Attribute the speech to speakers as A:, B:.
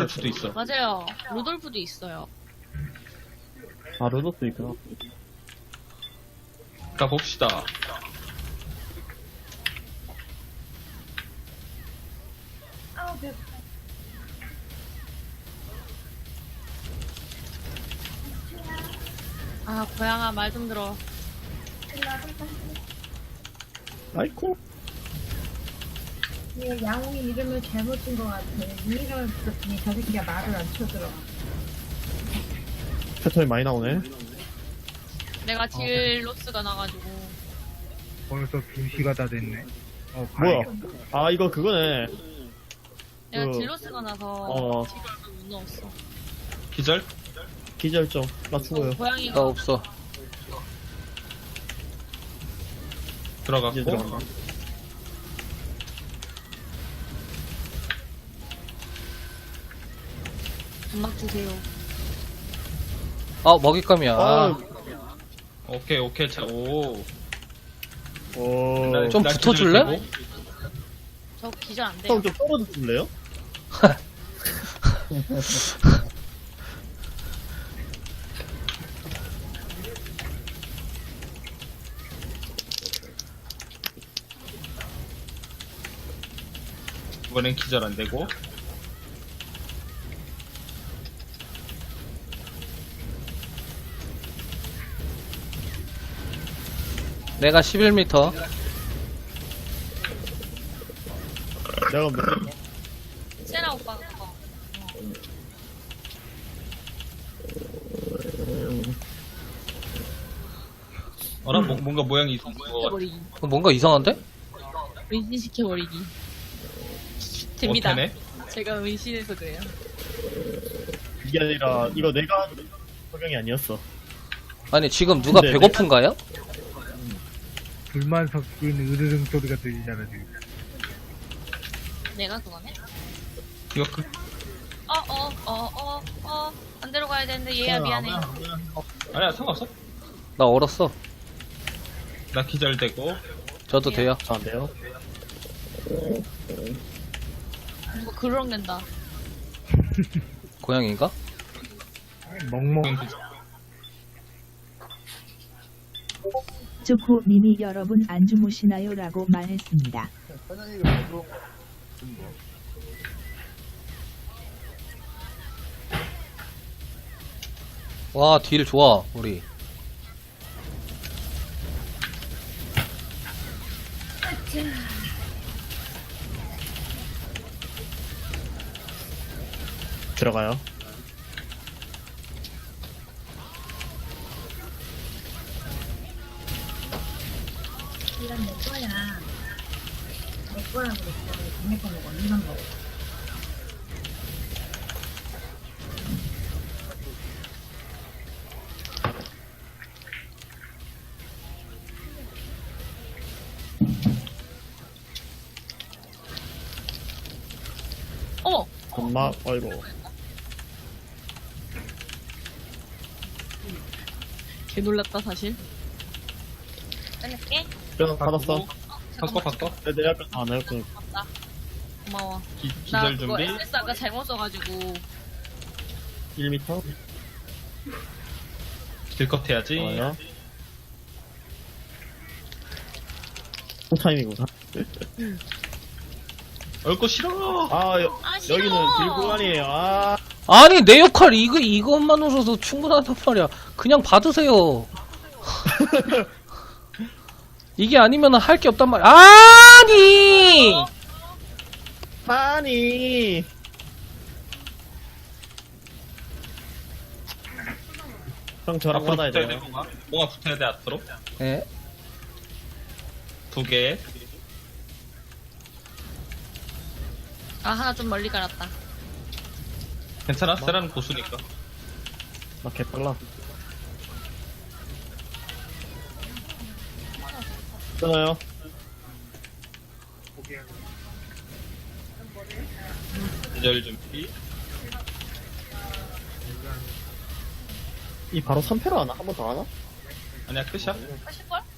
A: 루돌프도 있어.
B: 맞아요. 루돌프도 있어요.
C: 아, 로도도 있구나.
A: 가봅시다.
B: 아, 고양아, 말 좀 들어.
C: 아이쿠.
D: 얘 양홍이 이름을 잘못 준 것 같아. 이 이름을 불렀더니 저 새끼가 말을 안 쳐들어.
C: 패턴이 많이 나오네.
B: 내가 딜로스가 나가지고.
E: 벌써 2시가 다 됐네.
C: 뭐야?
E: 가야겠다.
C: 아, 이거 그거네.
B: 내가
C: 그,
B: 딜로스가 나서
C: 어.
B: 딜을 못 넣었어.
A: 기절?
C: 기절점. 나 죽어요.
F: 나
B: 고양이가
F: 없어.
A: 들어갔고.
C: 이제 들어간다.
B: 음악 주세요.
F: 아, 먹잇감이야.
C: 아,
A: 오케이, 오케이. 자, 오.
C: 오.
F: 좀
A: 날
F: 붙어줄래?
A: 기절 되고.
B: 저 기절 안 돼요.
C: 형 좀 떨어져 줄래요?
A: 이번엔 기절 안 되고.
F: 내가 11m.
C: 내가 몇,
B: 세라 오빠가
A: 어라? 뭔가 모양이 이상한 거 같아.
B: 시켜버리기.
F: 뭔가 이상한데?
B: 은신시켜버리기. 됩니다.
A: 어때네?
B: 제가 은신해서 그래요.
C: 이게 아니라, 이거 내가 한 적용이 아니었어.
F: 아니, 지금 누가
C: 네,
F: 배고픈가요?
E: 불만 섞인 으르릉 소리가 들리잖아, 지금.
B: 내가 그거네?
A: 이거 그,
B: 반대로 가야 되는데 얘야 미안해.
A: 아니야, 상관없어.
F: 나 얼었어.
A: 나 기절되고.
F: 저도 돼요.
C: 저 안 돼요?
B: 누가 그렁댄다.
F: 고양인가?
E: 멍멍.
G: 조코님이 여러분 안 주무시나요? 라고 말했습니다.
F: 와, 딜 좋아, 우리.
C: 들어가요.
D: 이건 내 거야. 내 거라고 그랬어. 동네 거 먹어. 이런 거.
B: 어머!
C: 엄마, 어이구.
B: 개 놀랐다 사실. 끝낼게.
C: 뼈 받았어.
A: 바꿔.
C: 내 약간, 아, 내 약간,
B: 고맙다. 고마워. 나
A: 기절
B: 그거
A: 준비.
B: SS 아까 잘못 써가지고
C: 1m?
A: 딜컷 해야지.
C: 좋아요. 타임이구나.
A: 얼거 싫어.
C: 아,
B: 싫어.
C: 여기는 딜구간이에요. 아,
F: 아니, 내 역할 이것만으로도 충분하단 말이야. 그냥 받으세요. 이게 아니면 할 게 없단 말이야. 아니!
C: 아니. 형 저랑
A: 앞으로
C: 받아야
A: 붙어야
C: 돼요.
A: 돼, 뭔가 붙어야 돼, 앞으로.
F: 예.
A: 2개.
B: 아 하나 좀 멀리 깔았다.
A: 괜찮아? 세라는 고수니까.
C: 나 개빨라. 끊어요.
A: 기절 준비.
C: 이 바로 3패로 하나? 한 번 더 하나?
A: 아니야, 끝이야.
B: 하실걸?